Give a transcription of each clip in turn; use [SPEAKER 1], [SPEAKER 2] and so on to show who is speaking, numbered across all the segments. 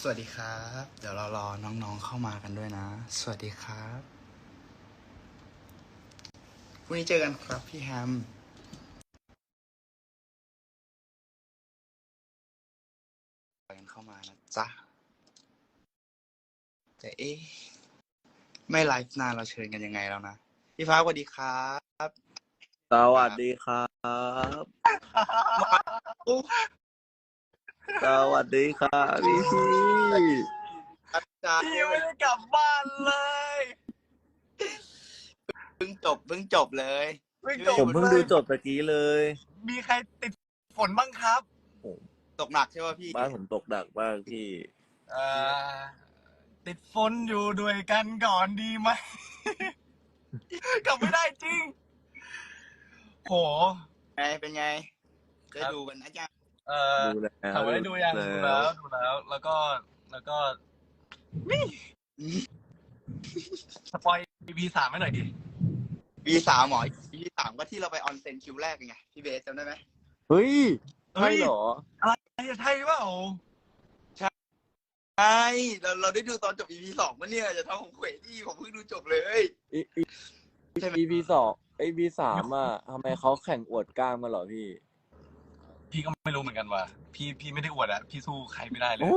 [SPEAKER 1] วัสดีครับ เดี๋ยวเรารอน้องๆเข้ามากันด้วยนะ สวัสดีครับพรุ่งนี้เจอกันครับพี่แฮมกันเข้ามานะจ๊ะแต่ไม่ไลฟ์นานเราเชิญกันยังไงแล้วนะ พี่ฟ้าสวัสดีครับ
[SPEAKER 2] สวัสดีครับ สวัสดีครับพี่
[SPEAKER 1] จ้า
[SPEAKER 3] พี่ไม่ได้กลับบ้านเลย
[SPEAKER 1] เพิ่งจบเลย
[SPEAKER 2] ผมเพิ่งดูจบตะกี้เลย
[SPEAKER 3] มีใครติดฝนบ้างครับ
[SPEAKER 1] ตกหนักใช่ป่ะพี่
[SPEAKER 2] บ้านผมตกหนักมากพี่
[SPEAKER 3] ติดฝนอยู่ด้วยกันก่อนดีไหม กลับไม่ได้จริง โห
[SPEAKER 1] เป็นไงได้ดูกันนะจ๊ะ
[SPEAKER 2] ดูแล้ว
[SPEAKER 3] ถามว่าได้ดูยังดูแล้ว แล้วก็นี่สปอย EP 3ให้หน่อยดิ
[SPEAKER 1] V3 หมอ V3 ก็ที่เราไปออนเซ็นคิวแรกไงพี่เบสจำได้ไหม
[SPEAKER 2] เฮ้ยใช่เหรอ
[SPEAKER 3] ใช่เปล่า
[SPEAKER 1] ใช่เราได้ดูตอนจบ EP2 ปะเนี่ยจะทำของเขวที่ผมเพิ่งดูจบเลย
[SPEAKER 2] EP สองEP สามอ่ะทำไมเขาแข่งอวดกล้ามกันเหรอพี่
[SPEAKER 3] พี่ก็ไม่รู้เหมือนกันว่ะพี่ไม่ได้อวดอะพี่สู้ใครไม่ได้เลย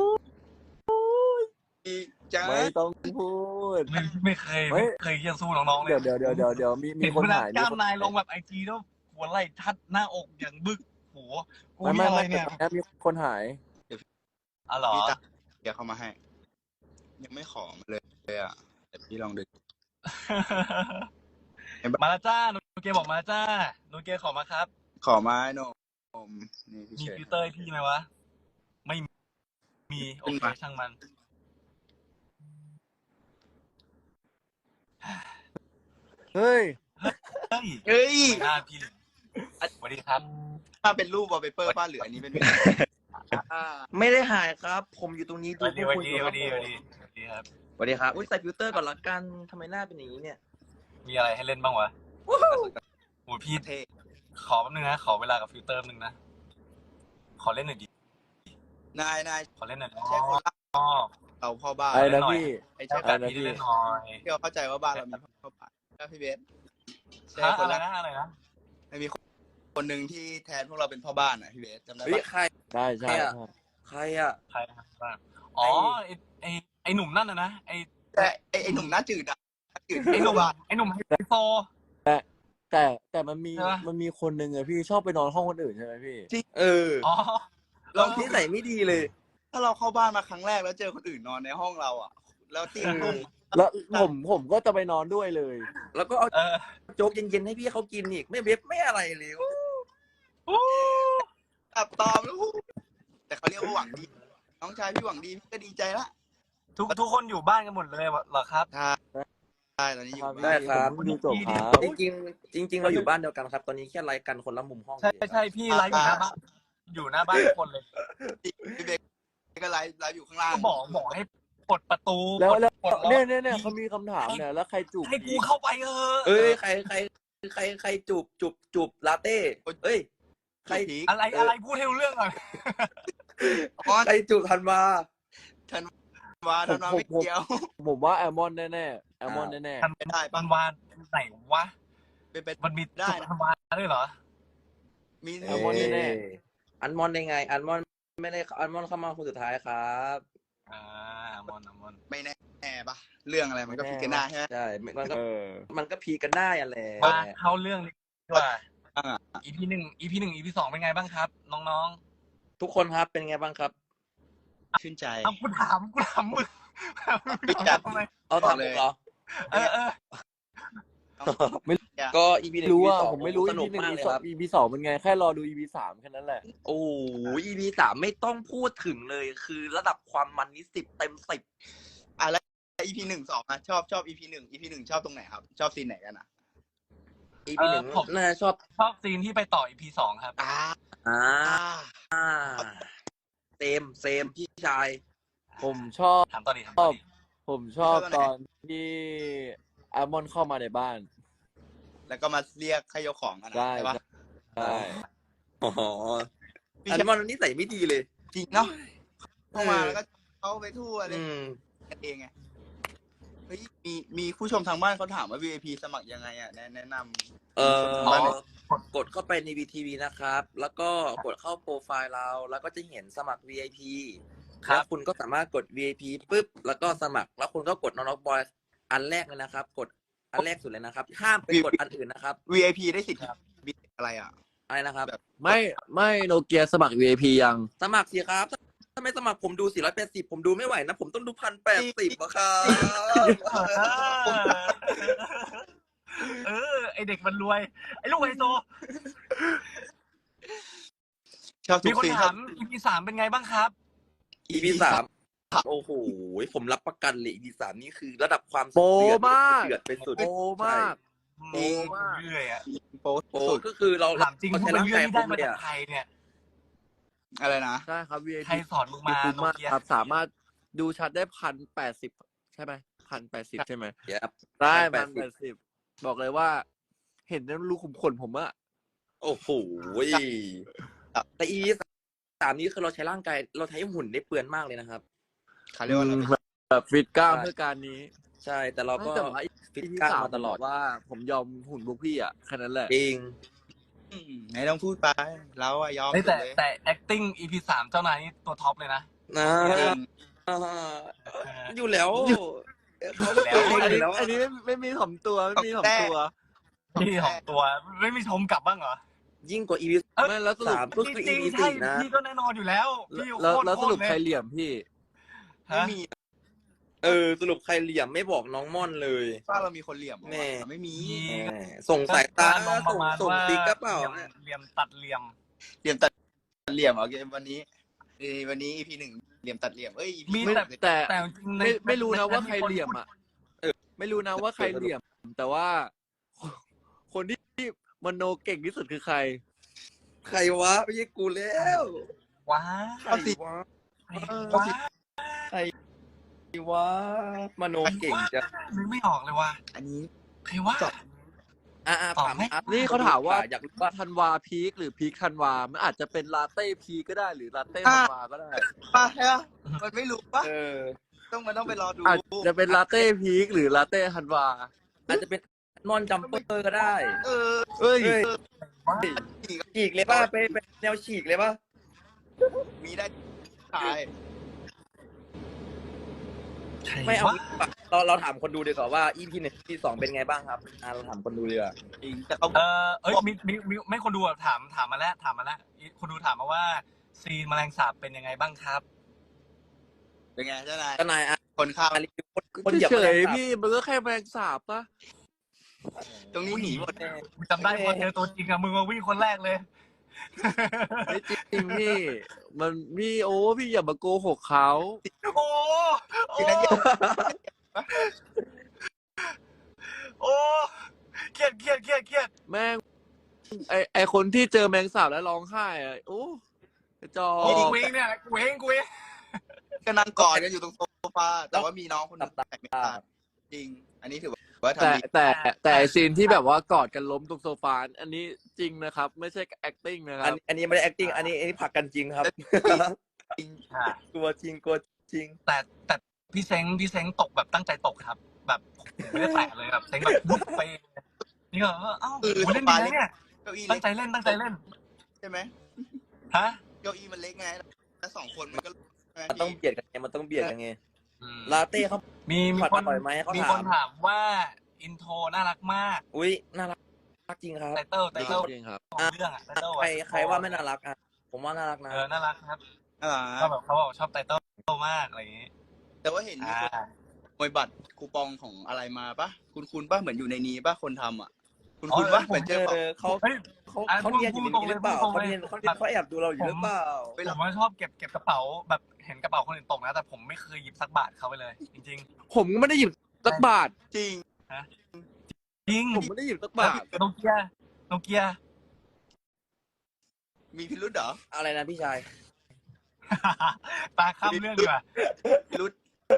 [SPEAKER 1] จ้า
[SPEAKER 2] ไม่ต้องพูด
[SPEAKER 3] ไม่เคยยังสู้น้องๆเลย
[SPEAKER 2] เดี๋ยวมี
[SPEAKER 3] เห็น
[SPEAKER 2] คน
[SPEAKER 3] เวลา
[SPEAKER 2] ถ่าย
[SPEAKER 3] กล้ามนายลงแบบไอจีแล้วหัวไหล่ทัดหน้าอกอย่างบึกโหกู
[SPEAKER 2] ไม่
[SPEAKER 3] นี่อะไรเนี่ย
[SPEAKER 2] มีคนหาย
[SPEAKER 3] อ๋อเหรอ
[SPEAKER 1] พี่ตาเดี๋ยวเข้ามาให้ ยังไม่ขอมาเลยอ่ะแต่พี่ลองดู
[SPEAKER 3] มาแล้วจ้าโนเกบอกมาจ้าโนเกขอมาครับ
[SPEAKER 1] ขอมาให้หนมนี่พี่
[SPEAKER 3] มี
[SPEAKER 1] เฉย
[SPEAKER 3] ฟิลเตอร์ให้พี่ไหมวะไม่มีโอเคช่างมัน
[SPEAKER 2] เฮ้ย
[SPEAKER 3] เฮ้ย
[SPEAKER 1] เฮ้ย
[SPEAKER 3] หน้าพี่เลยสวัสดีครับ
[SPEAKER 1] ถ้าเป็นรูปวอลเปเปอร์ป้าเหลืออันนี้เป็น
[SPEAKER 4] ไม่ได้หายครับ ผมอยู่ตรงนี้
[SPEAKER 3] สวัสดี
[SPEAKER 4] พ
[SPEAKER 3] สวัส
[SPEAKER 4] คุณ
[SPEAKER 3] ดี
[SPEAKER 4] อยู่
[SPEAKER 3] ส
[SPEAKER 4] ครั
[SPEAKER 3] วั
[SPEAKER 4] บ
[SPEAKER 3] สดีสวัสดีสวัสดีครับ
[SPEAKER 4] สวัสดีครับอุ้ยใส่ฟิลเตอร์ก่อนละกันทำไมหน้าเป็นอย่างนี้เนี่ย
[SPEAKER 3] มีอะไรให้เล่นบ้างวะโอ้พี่
[SPEAKER 1] เท่
[SPEAKER 3] ขอแป๊บนึงนะขอเวลากับฟิลเตอร์นึงนะขอเล่นหน่อยดิ
[SPEAKER 1] นาย
[SPEAKER 3] ขอเล่นหน่อย
[SPEAKER 1] ใช่คนรัก
[SPEAKER 3] อ๋อ
[SPEAKER 1] เราพ่อบ้าน
[SPEAKER 2] ไอ้นะพี่
[SPEAKER 1] ไอ้
[SPEAKER 3] ใช่
[SPEAKER 1] เจ้า
[SPEAKER 3] แบบพี่ได้เล่นหน่อย
[SPEAKER 1] ที่เราเข้าใจว่าบ้านเรามีพ่อบ้านแล้วพี่เบสใช่
[SPEAKER 3] ฮะ
[SPEAKER 1] คน
[SPEAKER 3] อะไร
[SPEAKER 1] รัก
[SPEAKER 3] นะอะไรนะ
[SPEAKER 1] มีคนหนึ่งที่แทนพวกเราเป็นพ่อบ้านอ่ะพี่เบสจำได้
[SPEAKER 4] เฮ้ย
[SPEAKER 1] ปะ
[SPEAKER 4] ใคร
[SPEAKER 2] ใช่ใช่
[SPEAKER 4] ใครอ่ะ
[SPEAKER 3] ใครนะครับบ้างอ๋อไอหนุ่มนั่นนะไอ
[SPEAKER 1] แต่ไอ้หนุ่มหน้าจืดอ่ะหน้าจืด
[SPEAKER 3] ไอหนุ่ม
[SPEAKER 1] บ้าน
[SPEAKER 3] ไอหนุ่มไฮโซ
[SPEAKER 2] แต่มันมี
[SPEAKER 1] ใช่ปะ
[SPEAKER 2] มันมีคนหนึ่งอะพี่ชอบไปนอนห้องคนอื่นใช่ไหมพี่
[SPEAKER 4] เออ
[SPEAKER 3] อ๋อ
[SPEAKER 1] เรา
[SPEAKER 4] นิสัยไม่ดีเลย
[SPEAKER 1] ถ้าเราเข้าบ้านมาครั้งแรกแล้วเจอคนอื่นนอนในห้องเราอ่ะ แล้วเตียงนุ่ม
[SPEAKER 2] แล้วผมก็จะไปนอนด้วยเลย
[SPEAKER 4] แล้วก็เอา
[SPEAKER 3] เออ
[SPEAKER 4] โจ๊กเย็นๆให้พี่เขากินอีกไม่เว็บไม่อะไรเลย
[SPEAKER 1] อับตอมแล้วแต่เขาเรียกว่าหวังดี น้องชายพี่หวังดีพี่ก็ดีใจละ
[SPEAKER 3] ทุกคนอยู่บ้านกันหมดเลยเหรอครับ
[SPEAKER 1] ใช่ตอนนี้อยู่
[SPEAKER 4] ได้ครับ
[SPEAKER 2] ผมดูจบครับ
[SPEAKER 4] จริงเราอยู่บ้านเดียวกันครับ ตอนนี้แค่ไลฟ์กันคนละมุมห้อง
[SPEAKER 3] ใช่พี่ไลฟ์อยู่หน้าบ้านอยู่หน้าบ้านทุกคนเลย
[SPEAKER 1] พี่เบกก็ไลฟ์อยู่ข้างล่าง
[SPEAKER 3] ก็บอกให้ปลดประตู
[SPEAKER 2] แล้ว
[SPEAKER 3] ปลดล็อก
[SPEAKER 2] เนี่ยเขามีคำถามเนี่ยแล้วใครจูบ
[SPEAKER 3] ให้กูเข้าไปเออ
[SPEAKER 4] เอ้ยใครจูบลาเต้เอ้ย ใคร
[SPEAKER 1] ผี
[SPEAKER 3] อะไรพูดให้รู้เรื่องก่อน
[SPEAKER 1] อ๋อ
[SPEAKER 4] ใครจูบทันมา
[SPEAKER 1] ทันวาไม่เกี่ยว
[SPEAKER 2] ผมว่าแอลมอนแน่ๆแอลมอนแน่
[SPEAKER 1] ไม่ได้
[SPEAKER 3] มั
[SPEAKER 1] ปะ
[SPEAKER 3] นวานไหนวะ
[SPEAKER 1] เป็นไป
[SPEAKER 3] มันมี
[SPEAKER 1] ได้
[SPEAKER 3] จุดวานด้วยเหรอ
[SPEAKER 1] มี
[SPEAKER 2] แอลมอนแน่
[SPEAKER 4] อันมอนได้ไง อันมอนไม่ได้อันมอนเข้ามาคนสุดท้ายครับ
[SPEAKER 3] มอน
[SPEAKER 1] ไม่แน่ปะเรื่องอะไรมันก็พิกันได้ใช่ไหม
[SPEAKER 4] ใช่มัน
[SPEAKER 2] ๆ
[SPEAKER 4] ก็ มันก็พีกันได้อะแหละ
[SPEAKER 3] มาเข้าเรื่องดีกว่า
[SPEAKER 1] อ่า
[SPEAKER 3] EP 1 EP 2เป็นไงบ้างครับ น้อง
[SPEAKER 4] ทุกคนครับเป็นไงบ้างครับ
[SPEAKER 1] ชื่นใจ
[SPEAKER 3] ๆเอากูถามมึงทำไม
[SPEAKER 4] เอา
[SPEAKER 1] ต่อ
[SPEAKER 4] ทำ
[SPEAKER 1] เลย
[SPEAKER 4] เหรอ
[SPEAKER 3] เออ
[SPEAKER 4] ก็ EP 1
[SPEAKER 2] รู้
[SPEAKER 4] EP
[SPEAKER 2] ว่า
[SPEAKER 4] 2
[SPEAKER 2] ผมไม่รู้
[SPEAKER 4] สนุ
[SPEAKER 2] EP
[SPEAKER 4] ก
[SPEAKER 2] หนึ่ง
[SPEAKER 4] มาก
[SPEAKER 2] EP
[SPEAKER 4] เลย
[SPEAKER 2] สอ
[SPEAKER 4] ค
[SPEAKER 2] ง
[SPEAKER 4] รับ
[SPEAKER 2] EP สองเป็นไงแค่รอดู EP 3แค่นั้นแหละ
[SPEAKER 4] โอ้โห EP 3ไม่ต้องพูดถึงเลย คือระดับความมันนี้10 เต็ม 10
[SPEAKER 1] อ่ะแล้ว EP 1 2อ่ะชอบ EP 1 ชอบตรงไหนครับ ชอบซีนไหนกันอ่ะ
[SPEAKER 4] EP 1น่าจะชอบ
[SPEAKER 3] ชอบซีนที่ไปต่อ EP 2ครับ
[SPEAKER 1] อ่า
[SPEAKER 4] อ่า
[SPEAKER 1] อ่า
[SPEAKER 4] เซมพี่ชาย
[SPEAKER 2] ผมชอบ
[SPEAKER 3] ถามต่อดีถามต่อดี
[SPEAKER 2] ผมชอบตอนที่แอลมอนเข้ามาในบ้าน
[SPEAKER 1] แล้วก็มาเรียกให้ยกของกันนะ
[SPEAKER 2] ได้
[SPEAKER 1] ใช่ปะ
[SPEAKER 2] ใช่
[SPEAKER 4] อ๋อ
[SPEAKER 1] พี่
[SPEAKER 4] อัน
[SPEAKER 1] แชมป์
[SPEAKER 4] มอนนิสัยไม่ดีเลย
[SPEAKER 1] จริงเนาะเข้ามาแล้วก็เขาไปทั่วเลย
[SPEAKER 4] อืม
[SPEAKER 1] กันเองไงเฮ้ยมีผู้ชมทางบ้านเขาถามว่า VIP สมัครยังไงอ่ะแนะนำ
[SPEAKER 4] เอ่
[SPEAKER 1] ผู้ชมทางบ้านหน่อย
[SPEAKER 4] กดเข้าไปใน VTV นะครับ แล้วก็กดเข้าโปรไฟล์เรา แล้วก็จะเห็นสมัคร VIP แล้วคุณก็สามารถกด VIP ปุ๊บ แล้วก็สมัคร แล้วคุณก็กดน้องบอยอันแรกเลยนะครับ กดอันแรกสุดเลยนะครับ ห้ามไปกดอันอื่นนะครับ
[SPEAKER 1] VIP ได้สิทธิ์อะไรอ่ะ
[SPEAKER 4] อะไรนะครับ
[SPEAKER 2] ไม่โนเกียสมัคร VIP ยัง
[SPEAKER 4] สมัครสิครับ ถ้าไม่สมัครผมดู480ผมดูไม่ไหวนะ ผมต้องดู1,080อะครับ
[SPEAKER 3] ไอเด็กมันรวย ไอลูกไฮโซ
[SPEAKER 1] ชอบทุ
[SPEAKER 3] มี
[SPEAKER 1] ก
[SPEAKER 3] คน
[SPEAKER 1] สิ่ง
[SPEAKER 3] ถาม EP 3เป็นไงบ้างครับ
[SPEAKER 4] EP 3โอ้โห ผมรับประกันเลย EP 3นี่คือระดับความ
[SPEAKER 2] โปรมาก
[SPEAKER 4] เดือดไปสุด
[SPEAKER 2] โอ้มาก
[SPEAKER 3] โอ้เรื่อยอ่ะ
[SPEAKER 1] โป๊ะ
[SPEAKER 4] โอ้
[SPEAKER 1] สุด
[SPEAKER 4] ก็คือเรา
[SPEAKER 3] ถามจริง
[SPEAKER 4] เรา
[SPEAKER 3] พวก
[SPEAKER 4] ใช้
[SPEAKER 3] เป็น
[SPEAKER 4] ร่าง
[SPEAKER 3] เรื่อก
[SPEAKER 4] าง ย
[SPEAKER 3] ที่
[SPEAKER 4] ผ
[SPEAKER 3] ได้
[SPEAKER 4] ม
[SPEAKER 3] มา
[SPEAKER 4] เนี่
[SPEAKER 3] จาย กใครเนี่ย
[SPEAKER 1] อะไรนะ
[SPEAKER 2] ใช่ครับ VIP
[SPEAKER 3] ใครสอนมึงมา
[SPEAKER 2] คุ้ม
[SPEAKER 3] โน
[SPEAKER 2] มาก
[SPEAKER 3] เกีย
[SPEAKER 2] ครับ สามารถดูชัดได้1,080ใช่ไหม1,080ใช่ไหม
[SPEAKER 4] ครับ
[SPEAKER 2] ได้
[SPEAKER 4] 1,080
[SPEAKER 2] 1,080บอกเลยว่า เห็นแล้วรูขุมขนผมอะ
[SPEAKER 4] โอ้โหแต่ EP 3นี้คือเราใช้ร่างกายเราใช้หุ่นได้เปลือนมากเลยนะครับ
[SPEAKER 1] เขาเรียกว่าอะไร
[SPEAKER 2] แบบฟิตกล้ามเพื่อการนี้
[SPEAKER 4] ใช่แต่เราก็
[SPEAKER 2] แต่ว่า
[SPEAKER 4] ฟิต
[SPEAKER 2] EP
[SPEAKER 4] กล้าม
[SPEAKER 2] 3
[SPEAKER 4] มาตลอด
[SPEAKER 2] ว่าผมยอมหุ่นพวกพี่อะแค่นั้นแหละ
[SPEAKER 4] จริง
[SPEAKER 1] ไหนต้องพูดไปเราอะยอม
[SPEAKER 3] เฮ้ยแต่
[SPEAKER 1] เลย
[SPEAKER 3] แต่ acting EP 3เจ้านายนี่ตัวท็อปเลยนะ
[SPEAKER 4] นะ
[SPEAKER 1] จริง
[SPEAKER 4] อยู่แล้วเขา
[SPEAKER 3] แล้ว
[SPEAKER 4] เล่นอยู่แล้ว
[SPEAKER 2] อันนี้ไม่มีถ่อมตัวไม่มีถ่อมตัว
[SPEAKER 3] พี่ของตัวไม่มีชมกลับบ้างเหรอ
[SPEAKER 4] ยิ่งกว่า EP
[SPEAKER 2] ไม่แล้วสรุป
[SPEAKER 4] 3ก็คือ
[SPEAKER 3] จริง
[SPEAKER 4] EP
[SPEAKER 3] ๆใช่
[SPEAKER 4] 4นะ
[SPEAKER 3] พี่ก็แน่นอนอยู่แล้วพี่
[SPEAKER 2] แล้วสรุป
[SPEAKER 3] โคต
[SPEAKER 2] ใคร
[SPEAKER 3] เลย
[SPEAKER 2] เหลี่ยมพี่
[SPEAKER 1] ไม่
[SPEAKER 3] ฮะ
[SPEAKER 1] มี
[SPEAKER 4] สรุปใครเหลี่ยมไม่บอกน้องม่อนเลย
[SPEAKER 1] ว่าเรามีคนเหลี่ยมเหรอ
[SPEAKER 4] แม่
[SPEAKER 1] ไม่มี
[SPEAKER 4] แหมส่งสายตา
[SPEAKER 3] ลองประมาณ
[SPEAKER 4] ส่ง
[SPEAKER 3] ว่า
[SPEAKER 4] ติ๊กกระเป๋า
[SPEAKER 3] เหลี่ยมตัดเหลี่ยม
[SPEAKER 1] เหลี่ยมตัดเหลี่ยมโอเควันนี้EP 1เหลี่ยมตัดเหลี่ยมEP
[SPEAKER 3] มี
[SPEAKER 2] ไม่
[SPEAKER 3] แต่
[SPEAKER 2] แต่
[SPEAKER 3] แต่จริงๆใน
[SPEAKER 2] ไม่รู้นะว่าใคร
[SPEAKER 3] น
[SPEAKER 2] เหลี่ยมอ่ะไม่รู้นะว่าใครเหลี่ยม แต่ว่า คนที่มโนเก่งที่สุดคือใคร
[SPEAKER 4] ใครวะไม่ใช่กูแล้ว
[SPEAKER 3] ว้า
[SPEAKER 4] ใครวะ
[SPEAKER 3] ว้า
[SPEAKER 4] ใครวะมโนเก่งจัง
[SPEAKER 3] นึกไม่ออกเลยว่ะ
[SPEAKER 1] อันนี้
[SPEAKER 3] ใครว่า
[SPEAKER 4] ถาม
[SPEAKER 2] นี่เขาถามว่า
[SPEAKER 4] อยากรู้ว่า
[SPEAKER 2] ธันวาพีคหรือพีคธันวามันอาจจะเป็นลาเต้พีคก็ได้หรือลาเต้ธันวาก็ได้
[SPEAKER 1] ป่ะใช่ปะมันไม่รู้ป่ะ ต้องไปรอดู
[SPEAKER 2] อาจจะเป็นลาเต้พีคหรือลาเต้ธันวา
[SPEAKER 4] อาจจะเป็นนอนจัมเปอร์ก็ได้
[SPEAKER 1] เออ
[SPEAKER 2] เอ้ย
[SPEAKER 4] ฉีกเลยป่ะเป็นแนวฉีกเลยป่ะ
[SPEAKER 1] มีได้ตาย
[SPEAKER 4] ไม่เอาเราถามคนดูดีกว่าว่า EP 1 EP 2เป็นไงบ้างครับเราถามคนดูดีกว่า
[SPEAKER 1] จริงแต่เขา
[SPEAKER 3] มีไม่คนดูอะถามมาแล้วคนดูถามมาว่าซีนแมลงสาบเป็นยังไงบ้างครับ
[SPEAKER 1] เป็นไงเจ้านาย
[SPEAKER 4] เจ้านายอ่ะ
[SPEAKER 1] คนข้าว
[SPEAKER 4] รีวิวคนเหยียบ
[SPEAKER 2] เฉ
[SPEAKER 4] แมล
[SPEAKER 2] ย
[SPEAKER 4] งสาบ
[SPEAKER 2] ๆพี่มันก็แค่แมลงสาบปะ
[SPEAKER 1] ตรงนี้หนีหมด
[SPEAKER 3] กูจำได้พอเจอตัวจริงอะมึงมาวิ่งคนแรกเลย
[SPEAKER 2] ไม่จริงพี่ มันพี่พี่อย่ามาโกหกเขา
[SPEAKER 3] โอ้โอ้เครียด
[SPEAKER 2] แม่งไอคนที่เจอแมงสาบแล้วร้องไห้อะโอ้กระจอ
[SPEAKER 3] โอ้
[SPEAKER 2] ก
[SPEAKER 3] กูเองเนี่ยกูเอง
[SPEAKER 1] ก็นั่งกอดกันอยู่ตรงโซฟาแต่ว่ามีน้องคนนึงแต่ไม่ขาดจริง อันนี้ถือว่าทำดี
[SPEAKER 2] แต่ไอซีนที่แบบว่ากอดกันล้มตรงโซฟาอันนี้จริงนะครับ ไม่ใช่ acting นะครับ
[SPEAKER 4] อันนี้ไม่ได้ acting อันนี้ผลักกันจริงครับ
[SPEAKER 1] จริง
[SPEAKER 4] กลัวจริริง
[SPEAKER 3] แต่พี่เซ้งตกแบบตั้งใจตกครับ แบบไม่ได้แตะเลยแบบเซ้งแบบวุบไปนี่ก็เอ้าเล่นดีนะเนี่ย
[SPEAKER 1] เก้าอี้
[SPEAKER 3] ตั้
[SPEAKER 1] เล็
[SPEAKER 3] ง
[SPEAKER 1] ก
[SPEAKER 3] ใจเล่น
[SPEAKER 1] ใช่ไหม
[SPEAKER 3] ฮะ
[SPEAKER 1] เก้าอี้มันเล็กไงแล้ว2 คนมันก็
[SPEAKER 4] มันต้องเบียดกันไงลาเต้เขา
[SPEAKER 3] มี
[SPEAKER 4] ผัด
[SPEAKER 3] คน
[SPEAKER 4] อร่อยไหมเขา
[SPEAKER 3] มี
[SPEAKER 4] ถา
[SPEAKER 3] ค
[SPEAKER 4] ม
[SPEAKER 3] นถามว่าอินโทรน่ารักมาก
[SPEAKER 4] อุ้ยน่ารักจริงครับ
[SPEAKER 3] ไตเติ้ล
[SPEAKER 2] จริงครับ
[SPEAKER 3] ของเรื่องอะไตเติ้ล
[SPEAKER 4] ใครว่าไม่น่ารักอ่ะผมว่าน่ารักนะ
[SPEAKER 3] น่ารักครับ
[SPEAKER 1] อ่า
[SPEAKER 3] ก็แบบเขาบอกชอบไตเติ้ลมากอะไรอย่างงี้
[SPEAKER 1] แต่ว่าเห็นมีคนมวยบัตรคูปองของอะไรมาปะคุณป่ะเหมือนอยู่ในนี้ป่ะคนทำอ่ะคุณป่ะเหมือนเจอเปล่า
[SPEAKER 4] เขา
[SPEAKER 3] เฮ้ย
[SPEAKER 4] เขาเรียนอยู่ในนี้หรือเปล่าเขาแอบดูเราอยู่หรือเปล่า
[SPEAKER 3] ผมว่าชอบเก็บกระเป๋าแบบเห็นกระเป๋าคนอื่นตกนะแต่ผมไม่เคยหยิบสักบาทเขาไปเลย จริง
[SPEAKER 2] ผมก็ไม่ได้หยิบสักบาท
[SPEAKER 1] จริง
[SPEAKER 3] ๆจริง
[SPEAKER 2] ผมไม่ได้หยิบสักบาท
[SPEAKER 3] โนเกีย
[SPEAKER 1] มีพิรุธเหรอ
[SPEAKER 4] อะไรนะพี่ชาย
[SPEAKER 3] ตาข้ามเรื่องดีกว่า
[SPEAKER 1] พิรุธ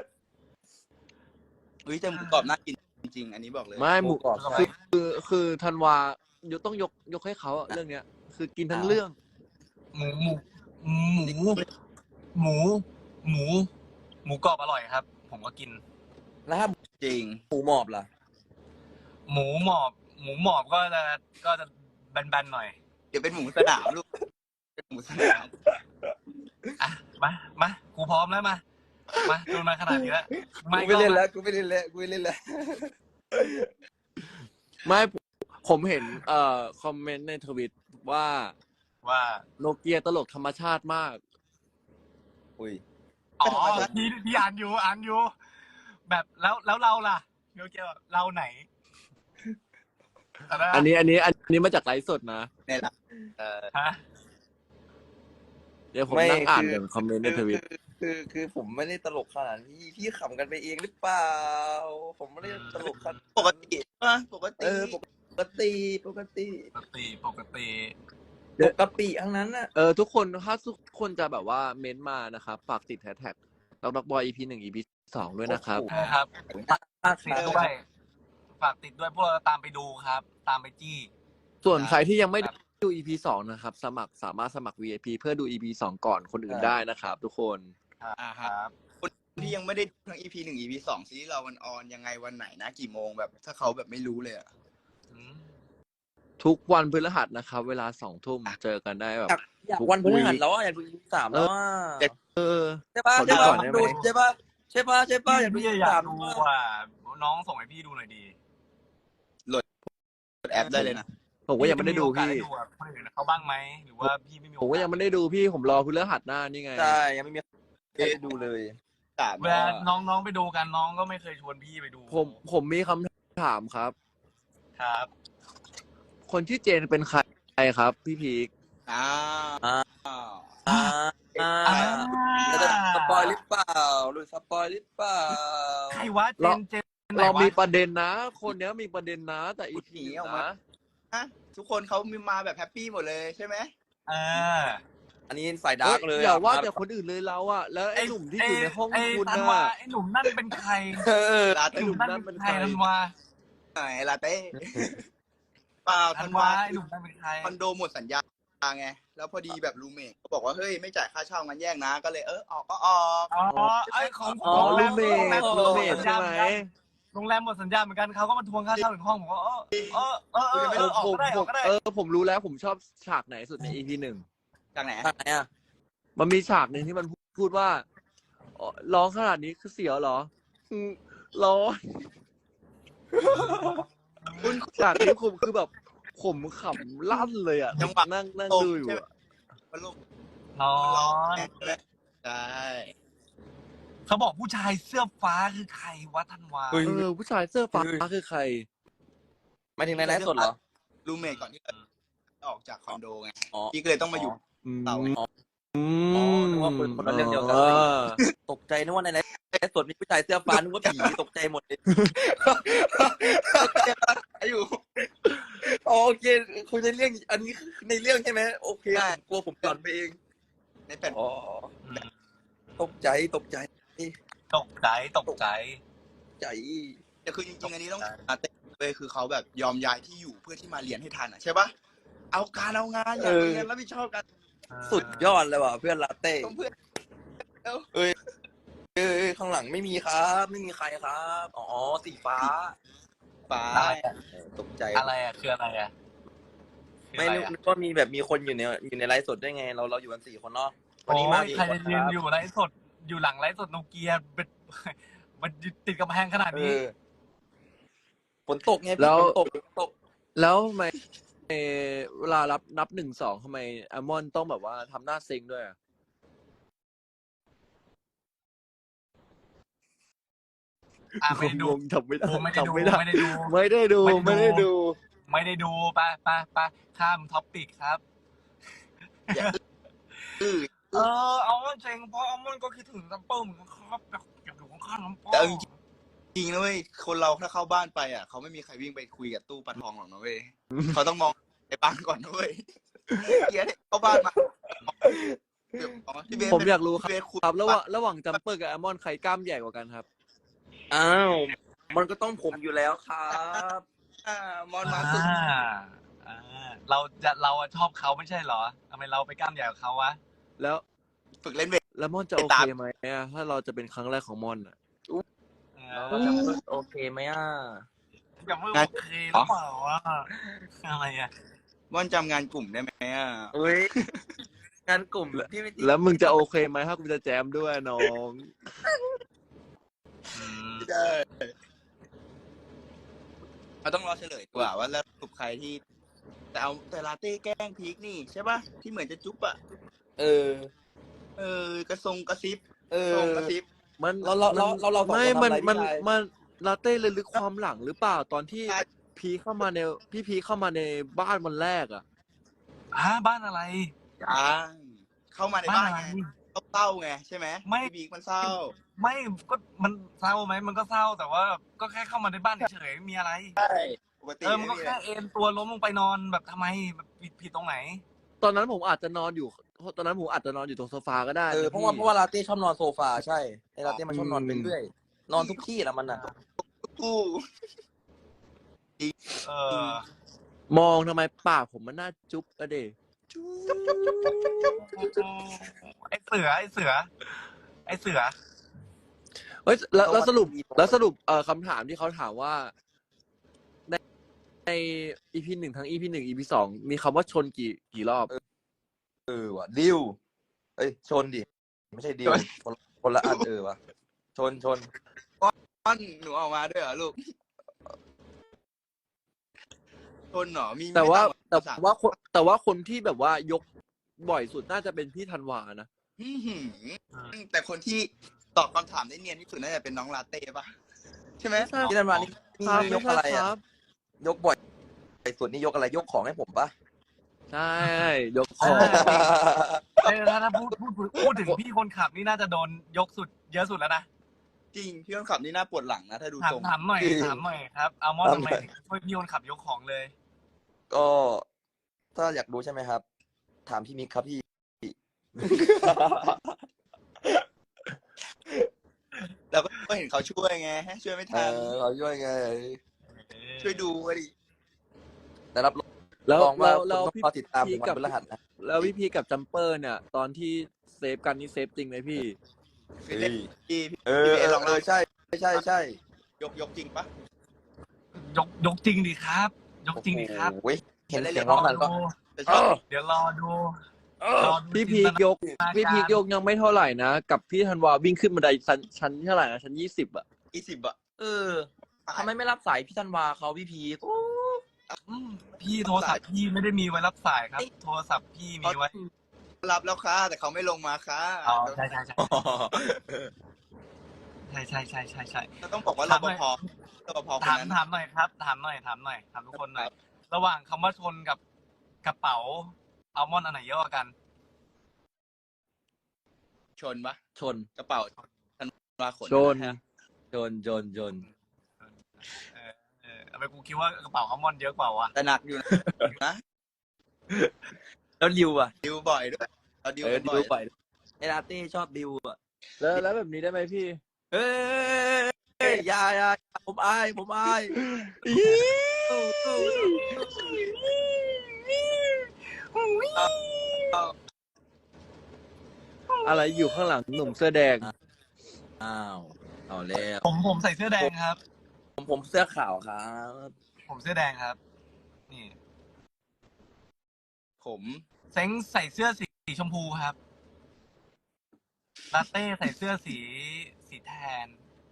[SPEAKER 1] เฮ้ยแต่หมูกรอบน่ากินจริงๆอันนี้บอกเลย
[SPEAKER 2] ไม่หมู
[SPEAKER 4] กรอบ
[SPEAKER 2] คือธันวายกต้องยกให้เขาอะเรื่องเนี้ย คือกินทั้งเรื่อง
[SPEAKER 3] หมูหมูกรอบอร่อยครับ ผมก็กิน
[SPEAKER 4] แล้วถ้า
[SPEAKER 1] จริง
[SPEAKER 4] หมูหมอบล่ะ
[SPEAKER 3] หมูหมอบก็จะแบนๆหน่อย
[SPEAKER 1] เดี๋ยวเป็นหมูสนามลูกเป็นหมูสนาม
[SPEAKER 3] อ่ะมากูพร้อมแล้วมาโดนมาขนาดนี้แล้ว
[SPEAKER 4] กูไม่เล่นแล้ว กูไม่เล่นแล้ว
[SPEAKER 2] ไม่ผมเห็นคอมเมนต์ในทวิตว่า
[SPEAKER 3] ว่า
[SPEAKER 2] โนเกียตลกธรรมชาติมาก
[SPEAKER 4] อุ้ย
[SPEAKER 3] อ๋อพี่อ่านอยู่ แบบแล้วเราล่ะเดี๋ยวเกี่ยวเราไหน
[SPEAKER 2] อันนี้มาจากไลฟ์สดนะ
[SPEAKER 1] เนี่ยแหละ
[SPEAKER 3] ฮะ
[SPEAKER 2] เดี๋ยวผม
[SPEAKER 4] ไม่
[SPEAKER 2] นั่งอ่าน
[SPEAKER 4] คือ
[SPEAKER 2] คอมเมนต์ในทวิต
[SPEAKER 4] คือผมไม่ได้ตลกขนาดนี้พี่ขำกันไปเองหรือเปล่า ผมไม่ได้ตลกขนาด
[SPEAKER 1] ปกติป่ะปกติ
[SPEAKER 4] ปกติ
[SPEAKER 3] ปกติ
[SPEAKER 4] ทั้งนั้นน่ะ
[SPEAKER 2] ทุกคนถ้าทุกคนจะแบบว่าเม้นต์มานะครับฝากติดแฮชแท็กด็อกบอย EP 1 EP 2ด้วยนะครับ
[SPEAKER 4] โอ้โห
[SPEAKER 3] นะครับ
[SPEAKER 4] มาก
[SPEAKER 3] ติดด้วยฝากติดด้วยพวกเราตามไปดูครับ ตามไปจี้
[SPEAKER 2] ส่วนใครที่ยังไม่ดู EP 2 นะครับ สามารถสมัคร VIP เพื่อดู EP 2 ก่อนคนอื่นได้นะครับทุกคน
[SPEAKER 3] ครับ
[SPEAKER 1] ที่ยังไม่ได้ดูทั้ง EP 1 EP 2ซีรีส์เรามันออนยังไงวันไหนนะกี่โมงแบบ ถ้าเขาแบบไม่รู้เลยอะ
[SPEAKER 2] ทุกวันพฤหัสนะครับ เวลา 2 ทุ่มเจอกันได้แบบ
[SPEAKER 4] อยากวันพฤหัสแล้วอ่ะอยากดู EP 3แล้วอ่ะ
[SPEAKER 2] เออ
[SPEAKER 4] ใช่ป่ะ
[SPEAKER 2] ขอดูก่อนได้ไหม
[SPEAKER 4] ใช่ป่ะอยากดู
[SPEAKER 3] พี่
[SPEAKER 4] EP
[SPEAKER 3] อยาก
[SPEAKER 4] 3
[SPEAKER 3] ดูอ่ะน้องส่งให้พี่ดูหน่อยดี
[SPEAKER 1] โหลดแอปได้เลยนะ
[SPEAKER 2] ผมก็ยังไม่ได้ดูพี่
[SPEAKER 3] มีโอกาสอะคนอื่นเขาบ้างไหมหรือว่าพี่ไม่มีโอ
[SPEAKER 2] ผม
[SPEAKER 3] กาส
[SPEAKER 2] ก็ยังไม่ได้ดูพี่ผมรอพฤหัสหน้านี่ไง
[SPEAKER 4] ใช่ยังไม่มีได้ดูเลย
[SPEAKER 3] เวลาน้องไปดูกันน้องก็ไม่เคยชวนพี่ไปดู
[SPEAKER 2] ผมมีคำถามครับ
[SPEAKER 3] ครับ
[SPEAKER 2] คนที่เจนเป็นใครครับ พี่พีค
[SPEAKER 1] อ้าว
[SPEAKER 4] อ่า เราจะสปอยหรือเปล่าหรือสปอยหรือเปล่า
[SPEAKER 3] ใครวะเจนไหน
[SPEAKER 2] เรา
[SPEAKER 3] วะ
[SPEAKER 2] มีประเด็นนะ คนเนี้ยมีประเด็นนะ แต่อีพีออกมา
[SPEAKER 1] ฮะทุกคนเขามีมาแบบแฮปปี้หมดเลยใช่ไหม
[SPEAKER 4] อันนี้ใส่ดาร์กเลย
[SPEAKER 2] อย่าว่าแต่คนอื่นเลยเราอะแล้วไอ้หนุ่มที่อยู่ในห้องคุณ
[SPEAKER 3] ธัน
[SPEAKER 2] น่ะ
[SPEAKER 3] วาไอ้หนุ่มนั่นเป็นใคร
[SPEAKER 1] ลา
[SPEAKER 3] ไอ้
[SPEAKER 1] เต้
[SPEAKER 3] หนุ่มนั่นเป็นใครธันวา
[SPEAKER 1] ไหนลาเต้เปล่า
[SPEAKER 3] ธั
[SPEAKER 1] ธั
[SPEAKER 3] น
[SPEAKER 1] น
[SPEAKER 3] วาว
[SPEAKER 1] า
[SPEAKER 3] ไอ้หนุ่มนั่นเป็นใคร
[SPEAKER 1] คอนโดหมดสัญญาไงแล้วพอดีแบบรูเมทเขาบอกว่าเฮ้ยไม่จ่ายค่าเช่างั้นแยกนะก็เลยออกก็ออก
[SPEAKER 3] อ๋อไอ้ของผม
[SPEAKER 2] อ๋อ
[SPEAKER 3] โรงแร
[SPEAKER 2] รู
[SPEAKER 3] ม
[SPEAKER 2] เมท
[SPEAKER 3] หม
[SPEAKER 2] รู
[SPEAKER 3] ด
[SPEAKER 2] เม
[SPEAKER 3] สั
[SPEAKER 2] ท
[SPEAKER 3] ญ
[SPEAKER 2] ใช่
[SPEAKER 3] ญา
[SPEAKER 2] ไหม
[SPEAKER 3] โรงแรมหมดสัญญาเหมือนกันเขาก็มาทวงค่าเช่าถึงห้องผมก็ออกก็ได้
[SPEAKER 2] ผมรู้แล้วผมชอบฉากไหนสุดใน EP 1
[SPEAKER 1] จากไหน
[SPEAKER 4] ทางไหนอ่ะ
[SPEAKER 2] มันมีฉากหนึ่งที่มันพูดว่าร้องขนาดนี้คือเสียวเหรอร้อนฉากนี้ผมคือแบบผมขำลั่นเลยอ่ะนั่งดูอยู่อะ
[SPEAKER 1] มันลูก
[SPEAKER 3] นอน
[SPEAKER 1] ใช่
[SPEAKER 3] เขาบอกผู้ชายเสื้อฟ้าคือใครวะธันวา
[SPEAKER 2] ผู้ชายเสื้อฟ้าคือใคร
[SPEAKER 4] หมายถึงในไลฟ์สดเหรอ
[SPEAKER 1] รูเมทก่อนที่จะออกจากคอนโดไง
[SPEAKER 4] อ๋อ
[SPEAKER 1] พี่ก็เลยต้องมาอยู่ เต่าไง
[SPEAKER 4] นึกว่าคนละเรื่องเดียวกันตกใจนึกว่าในไลฟ์สดมีผู้ชายเสื้อฟ้านึกว่าผีตกใจหมดเลย
[SPEAKER 1] อยู่
[SPEAKER 4] โอเคคุยในเรื่องอันนี้ในเรื่องใช่ไหมโอเคกลัวผมหลอนไปเอง
[SPEAKER 1] ในแผ่น
[SPEAKER 4] อ๋อตกใจ
[SPEAKER 3] ตกใจ
[SPEAKER 1] แต่คือจริงๆอันนี้ต้องอาเต้เลยคือเขาแบบยอมย้ายที่อยู่เพื่อที่มาเรียนให้ทันอ่ะใช่ปะเอางานอยากเรียนรับผิดชอบกัน
[SPEAKER 4] สุดยอดเลยว่ะเพื่อนลาเต้
[SPEAKER 1] เพื่อน
[SPEAKER 4] ข้างหลังไม่มีครับ ไม่มีใครครับอ๋อสีฟ้า
[SPEAKER 1] ฟ้า
[SPEAKER 4] ตกใจ
[SPEAKER 3] อะไรอ่ะคืออะไรอ่ะ
[SPEAKER 4] ไม่นึกว่ามีแบบมีคนอยู่ในไลฟ์สดได้ไงเราอยู่กัน4 คนเนาะ
[SPEAKER 3] วันนี้มา
[SPEAKER 4] กี่
[SPEAKER 3] ใคร
[SPEAKER 4] คน
[SPEAKER 3] จะยืนอยู่ไลฟ์สดอยู่หลังไลฟ์สดโนเกียมันติดกำแพงขนาดนี้
[SPEAKER 4] ฝนตกไงพี่ฝนตก
[SPEAKER 2] แล้วทำไมเวลานับ1-2ทำไมอามอนต้องแบบว่าทำหน้าเซ็งด้วยอะ
[SPEAKER 3] ไม่ได้ดู
[SPEAKER 2] จำไม่ได้
[SPEAKER 3] ไม่ได้ดู ไปข้ามท็อปปิกครับ เอาเซ็งเพราะอัลมอนด์ก็คิดถึงซัมเปิลเหมือนกันครับแบบอยากอยู่ข้างๆซัมเปิล
[SPEAKER 1] แต่จริงนะเว้ยคนเราถ้าเข้าบ้านไปอ่ะเขาไม่มีใครวิ่งไปคุยกับตู้ปลาทองหรอกนะเว้ยเขาต้องมองในบ้านก่อนนะเว้ยเกียร์เข้าบ้านมา
[SPEAKER 2] ผมอยากรู้ค
[SPEAKER 1] เบสคุย
[SPEAKER 2] รับระหว่างจัมเปอร์กับอามอนใครกล้ามใหญ่กว่ากันครับ
[SPEAKER 4] อ้าวมันก็ต้องผมอยู่แล้วครับ
[SPEAKER 1] มอนมาสุด
[SPEAKER 3] เราชอบเขาไม่ใช่เหรอทำไมเราไปกล้ามใหญ่กับเขาวะ
[SPEAKER 2] แล้ว
[SPEAKER 1] ฝึกเล่นเวท
[SPEAKER 2] แล้วม่อนจะโอเคไหมอะถ้าเราจะเป็นครั้งแรกของม่อนอะ
[SPEAKER 4] เราจะพูดโอเคไหมอ่ะ
[SPEAKER 3] จะไม่โอเคหรือเปล่าวะอะไรอ่ะ
[SPEAKER 1] ม่อนจำงานกลุ่มได้ไหมอ่ะ
[SPEAKER 4] เฮ้ยงานกลุ่มพี่ไม่
[SPEAKER 2] แล้วมึงจะโอเคไหมถ้ากูจะแจมด้วยน้อง
[SPEAKER 1] ไม่ได้เราต้องรอเฉลยดีกว่าว่าแล้วสรุปใครที่แต่ลาเต้แกล้งพีคนี่ใช่ป่ะที่เหมือนจะจุ๊บอ่ะ
[SPEAKER 4] เออ
[SPEAKER 1] กระซิบ
[SPEAKER 4] เออ
[SPEAKER 1] ทรงกระซิบ
[SPEAKER 2] มัน
[SPEAKER 4] เราสองคน
[SPEAKER 2] ไม่
[SPEAKER 4] ทำอะไร
[SPEAKER 2] มัน
[SPEAKER 4] พี่ชาย
[SPEAKER 2] มันลาเต้เลยลึกความหลังหรือเปล่าตอนที่
[SPEAKER 1] ใช่
[SPEAKER 2] พีเข้ามาในพีเข้ามาในบ้านวันแรกอ่ะ
[SPEAKER 3] บ้านอะไร
[SPEAKER 1] เข้ามาใน
[SPEAKER 3] บ้า
[SPEAKER 1] บ้าน น
[SPEAKER 3] อะไร
[SPEAKER 1] ไงเศร้าไงใช่ไหม
[SPEAKER 3] ไม่
[SPEAKER 1] พี่พีคมันเศร้า
[SPEAKER 3] ไม่ก็มันเศร้าไหมมันก็เศร้าแต่ว่าก็แค่เข้ามาในบ้านเฉยๆไม่มีอะไร
[SPEAKER 1] ใช่ปกติ
[SPEAKER 3] มันก็แค่เอนตัวล้มลงไปนอนแบบทำไมแบบผิดตรงไหน
[SPEAKER 2] ตอนนั้นผมอาจจะนอนอยู่ตอนนั้นผมอาจจะนอนอยู่ตรงโซฟาก็ได้
[SPEAKER 4] เออ
[SPEAKER 2] นะ
[SPEAKER 4] เพราะ
[SPEAKER 2] พี่
[SPEAKER 4] ว่าลาเต้ชอบนอนโซฟาใช่ไอ้ลาเต้มันชอบนอนไปเรื่อยนอนทุกที่แหละมันอ่ะ
[SPEAKER 1] กู้
[SPEAKER 3] เออ
[SPEAKER 2] มองทำไมปากผมมันน่าจุ๊บอะเด
[SPEAKER 3] ไอเสือ
[SPEAKER 2] เฮ้ยแล้วสรุป
[SPEAKER 4] เพราะว่า
[SPEAKER 2] แล้วสรุปคำถามที่เขาถามว่าใน EP 1 ทั้ง EP 1 EP 2มีคำว่าชนกี่รอบ
[SPEAKER 4] ว่ะดิวเอ้ยชนดิไม่ใช่ดิวคนละอันว่ะชน
[SPEAKER 1] ป้อนหนูออกมาด้วยเหรอลูกทนเหรอมี
[SPEAKER 2] แต่ว่า
[SPEAKER 1] ไม่ต่ำกว่า
[SPEAKER 2] แต่ว่าคนที่แบบว่ายกบ่อยสุดน่าจะเป็นพี่ธันวานะ
[SPEAKER 1] อื้อหือแต่คนที่ตอบคำถามได้เนียนที่สุดน่าจะเป็นน้องลาเต้ป่ะใช่ไหม
[SPEAKER 4] พี่นันมานี่
[SPEAKER 2] ครับ
[SPEAKER 4] ย
[SPEAKER 2] ไม่
[SPEAKER 4] ก
[SPEAKER 2] ใช่
[SPEAKER 4] อะไร
[SPEAKER 2] ค
[SPEAKER 4] อ่ะ
[SPEAKER 2] รับ
[SPEAKER 4] ยกบ่อยไอ้ส่วนนี้ยกอะไรยกของให้ผมปะ
[SPEAKER 2] ใช่ยกของ
[SPEAKER 3] ถ้าพูดถึงพี่คนขับนี่น่าจะโดนยกสุดเยอะสุดแล้วนะ
[SPEAKER 1] จริงพี่คนขับนี่น่าปวดหลังนะถ้าดูทรง
[SPEAKER 3] ถามหน่อยครับอัลมอนด์ทำไมถึงช่วยพี่คนขับยกของเลย
[SPEAKER 4] ก็ถ้าอยากรู้ใช่ไหมครับ ถามพี่มิกครับพี่
[SPEAKER 1] แล้วก็เห็นเขาช่วยไงช่วยไม่ทัน
[SPEAKER 4] เราช่วยไง
[SPEAKER 1] ช่วยดูก็ดิ
[SPEAKER 4] แต่รับ
[SPEAKER 2] แล้ว
[SPEAKER 4] รองว่า
[SPEAKER 2] แล้ว
[SPEAKER 4] คุณต้องรอติดตามถึงวัน
[SPEAKER 2] กับ
[SPEAKER 4] พฤหัสนะ
[SPEAKER 2] แล้วพี่พีกับจัมเปอร์เนี่ย ตอนที่เซฟกันนี่เซฟจริงไหมพี่
[SPEAKER 1] พี่เล่นพี่
[SPEAKER 4] ลองใช่
[SPEAKER 1] ยกจริงปะ
[SPEAKER 3] ยกจริงดิครับ ยกจริงดิครับ
[SPEAKER 4] โอ้ยเห็นเสียงร้องนั้นก็
[SPEAKER 1] แต่ชอบ
[SPEAKER 3] เดี๋ยวรอดู
[SPEAKER 2] พี่พียกยังไม่เท่าไหร่นะ กับพี่ธันวาวิ่งขึ้นบันไดชั้นเท่าไหร่นะชั้น20 อ่ะ
[SPEAKER 1] 20 อ่ะ
[SPEAKER 4] ทำไมไม่รับสายพี่ธันวาเขาพี่พีโอ้
[SPEAKER 3] พี่โทรศัพท์พี่ไม่ได้มีไว้รับสายครับ โทรศัพท์พี่มีไว้
[SPEAKER 1] รับแล้วค่ะแต่เขาไม่ลงมาค่ะ
[SPEAKER 3] ใช่
[SPEAKER 1] เราต้องบอกว่ารปภคน
[SPEAKER 3] ถาม
[SPEAKER 1] นั้น
[SPEAKER 3] หน่อยครับถามทุกคนหน่อยระหว่างคำว่าชนกับกระเป๋าอัลมอนด์อันไหนเยอะกว่ากัน
[SPEAKER 1] ชนปะ
[SPEAKER 2] ชน
[SPEAKER 1] กระเป๋าธันวาขน
[SPEAKER 2] ชน
[SPEAKER 1] นะฮะ
[SPEAKER 3] ทำไมกูคิดว่ากระเป๋าอัลมอนด์เยอะกว่าวะ
[SPEAKER 1] แต่หนักอยู่นะ
[SPEAKER 4] แล้วดิวอ่ะ
[SPEAKER 1] ดิวบ่อยด้วยเราดิวกัน
[SPEAKER 4] ดิ
[SPEAKER 1] บ่
[SPEAKER 4] ว
[SPEAKER 1] อย
[SPEAKER 4] ไปไอ้ลาเต้ชอบดิวอ่ะ
[SPEAKER 2] แล้วแบบนี้ได้ไหมพี่
[SPEAKER 4] เฮ้ยอย่าผมอาย
[SPEAKER 2] อะไรอยู่ข้างหลังหนุ่มเสื้อแดง
[SPEAKER 4] อ้าวเอาแล้ว
[SPEAKER 3] ผมใส่เสื้อแดงครับ
[SPEAKER 4] ผมเสื้อขาวครับ
[SPEAKER 3] ผมเสื้อแดงครับ นี่
[SPEAKER 1] ผม
[SPEAKER 3] เซ้งใส่เสื้อสีชมพูครับลาเต้ใส่เสื้อสีแทน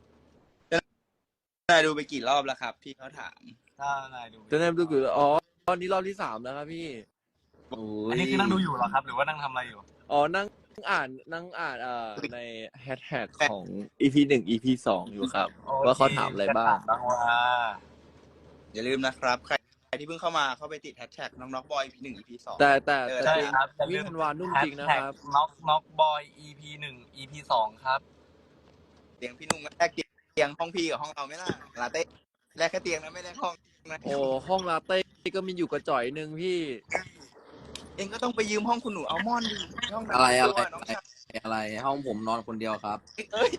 [SPEAKER 1] นายดูไปกี่รอบแล้วครับพี่เขาถาม
[SPEAKER 3] ถ้านายดู
[SPEAKER 2] จะแนมดูอยู่ตอนนี้รอบที่ 3แล้วครับพี่
[SPEAKER 3] อันนี้คือนั่งดูอยู่เหรอครับ หรือว่านั่งทำอะไรอยู่
[SPEAKER 2] นั่งอ่านในแฮชแท็กของ EP 1 EP 2อยู่ครับ ว่าเขาถามอะไรบ้าง
[SPEAKER 3] บ้างว่า
[SPEAKER 1] อย่าลืมนะครับใครที่เพิ่งเข้ามาเข้าไปติดแฮชแท็กน้องบอย EP 1 EP 2
[SPEAKER 2] แต่
[SPEAKER 3] ใช่
[SPEAKER 2] จริง
[SPEAKER 3] ครับ
[SPEAKER 2] พี่ธันวานุ่มจริงนะครับ
[SPEAKER 3] น็อกบอย EP 1 EP 2ครับ
[SPEAKER 1] เตียงพี่นุ่งแลกเตียงห้องพี่กับห้องเราไม่ล่ะลาเต้แลกแค่เตียงนะไม่แลกห้องนะ
[SPEAKER 2] โอ้ห้องลาเต้ก็มีอยู่กระจ่อยหนึ่งพี่
[SPEAKER 1] เองก็ต้องไปยืมห้องคุณหนูอัลมอนด์ดิห้อง
[SPEAKER 4] อะไร
[SPEAKER 1] น้องชาย
[SPEAKER 4] อะไรห้องผมนอนคนเดียวครับ
[SPEAKER 1] เอ้ย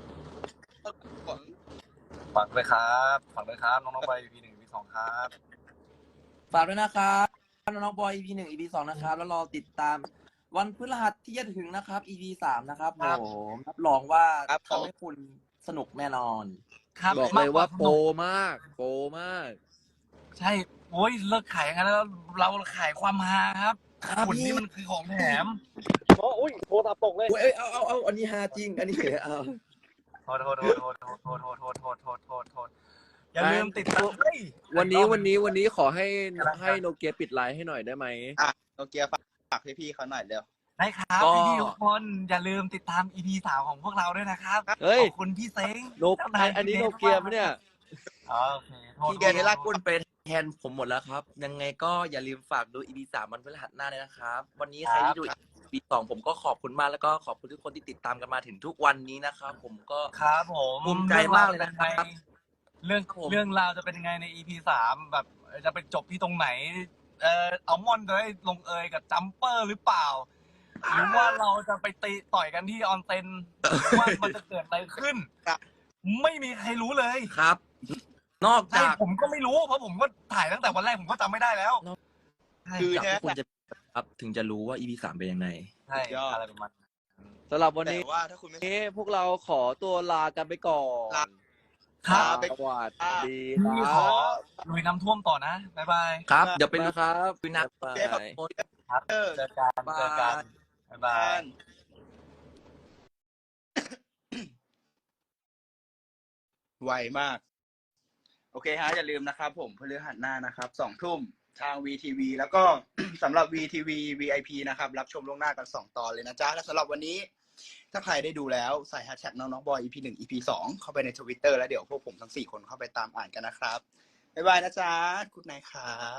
[SPEAKER 3] ฝากด้วยครับน้องบอย EP 1 EP 2ครับ
[SPEAKER 4] ฝากด้วยนะครับน้องบอย EP 1 EP 2นะครับแล้วรอติดตามวันพฤหัสที่จะถึงนะครับ EP 3นะครับ
[SPEAKER 3] ครับ
[SPEAKER 4] ผมรับรองว่า
[SPEAKER 1] ครับผม
[SPEAKER 4] ทำให้คุณสนุกแน่นอน
[SPEAKER 3] ครับ
[SPEAKER 2] บอกเลยว่าโปร
[SPEAKER 3] มกก
[SPEAKER 2] มาก โปรมาก
[SPEAKER 3] ใช่โอ้ยเลิกขายกันแล้วเราขายความฮาครับ
[SPEAKER 4] ครับ
[SPEAKER 3] คุณ
[SPEAKER 4] พี่
[SPEAKER 3] นี่มันคือของแถม
[SPEAKER 2] อุ้ยโทรศัพท์ตกเลย
[SPEAKER 4] เอ้ยเอาอันนี้ฮาจริง อันนี้เอา
[SPEAKER 3] โทษอย่าลืมติดตามเฮ้ย
[SPEAKER 2] วันนี้ขอให้โนเกียปิดไลน์ให้หน่อยได้ไหม
[SPEAKER 1] อ่ะโนเกียฝากพี่ๆเขาหน่อยเร็ว
[SPEAKER 3] ได้ครับ
[SPEAKER 4] ก็
[SPEAKER 3] พี่ๆทุกคนอย่าลืมติดตาม EP 3ของพวกเราด้วยนะครับ
[SPEAKER 2] เฮ้ย
[SPEAKER 3] ขอบคุณพี่เซ้ง
[SPEAKER 2] โนอันนี้โนเกียปะเนี่ย
[SPEAKER 3] อ๋อโอเคโทษ
[SPEAKER 4] พี่เกลากคุณไปแทนผมหมดแล้วครับ ยังไงก็อย่าลืมฝากดู EP 3 วันพฤหัสหน้าเลยนะครับ วันนี้ใครที่ดู EP 2 ผมก็ขอบคุณมากแล้วก็ขอบคุณทุกคนที่ติดตามกันมาถึงทุกวันนี้นะครับ ผมก็
[SPEAKER 3] ครับผม
[SPEAKER 4] ภูมิใจมากเลยนะครับ
[SPEAKER 3] เรื่อง
[SPEAKER 4] ครับผม
[SPEAKER 3] เรื่องราวจะเป็นยังไงใน EP 3แบบจะไปจบที่ตรงไหนอัลมอนด์จะได้ลงเอยกับจัมเปอร์หรือเปล่า หรือว่าเราจะไปตีต่อยกันที่ออนเซ็นหรือว่ามันจะเกิดอะไรขึ้น
[SPEAKER 1] ครับ
[SPEAKER 3] ไม่มีใครรู้เลย
[SPEAKER 4] ครับ นอก
[SPEAKER 3] ใช่
[SPEAKER 4] จาก
[SPEAKER 3] ผมก็ไม่รู้เพราะผมก็ถ่ายตั้งแต่วันแรกผมก็จำไม่ได้แล้ว
[SPEAKER 1] คือ
[SPEAKER 4] จาก
[SPEAKER 1] แท้
[SPEAKER 4] ที่คุณจะครับถึงจะรู้ว่า EP 3 เป็นยังไง
[SPEAKER 3] ใช่อะไรประมาณนั้น
[SPEAKER 2] สำหรับวัน
[SPEAKER 1] แต่
[SPEAKER 2] นี้
[SPEAKER 1] ว่าถ้าคุณไม่
[SPEAKER 2] พวกเราขอตัวลากันไปก่อน
[SPEAKER 1] ลา
[SPEAKER 3] ครับ
[SPEAKER 1] ไป
[SPEAKER 2] สวัสดีค
[SPEAKER 3] พี่
[SPEAKER 2] รั
[SPEAKER 3] ขอบ ลุยน้ำท่วมต่อนะ บ๊ายบาย
[SPEAKER 4] ครับ เดี๋ยวไป
[SPEAKER 2] ไป
[SPEAKER 4] ดู
[SPEAKER 2] ครับ
[SPEAKER 4] ดูนัก
[SPEAKER 2] บ๊าย
[SPEAKER 1] เจ๊ครับ
[SPEAKER 2] บาย
[SPEAKER 3] ครับ
[SPEAKER 1] เออ
[SPEAKER 3] เจอกัน
[SPEAKER 4] บ๊าย
[SPEAKER 3] เจอกัน บ๊ายบาย
[SPEAKER 1] ไวมาก โอเคฮะ อย่าลืมนะครับผมพฤหัสหน้านะครับ2 ทุ่มทาง VTV แล้วก็ สำหรับ VTV VIP นะครับ รับชมล่วงหน้ากัน2 ตอนเลยนะจ๊ะ และสำหรับวันนี้ ถ้าใครได้ดูแล้วใส่แฮชแท็กน้องๆบอย EP 1 EP 2 เข้าไปใน Twitter แล้วเดี๋ยวพวกผมทั้ง4 คนเข้าไปตามอ่านกันนะครับ บ๊ายบายนะจ๊ะคุณนายครับ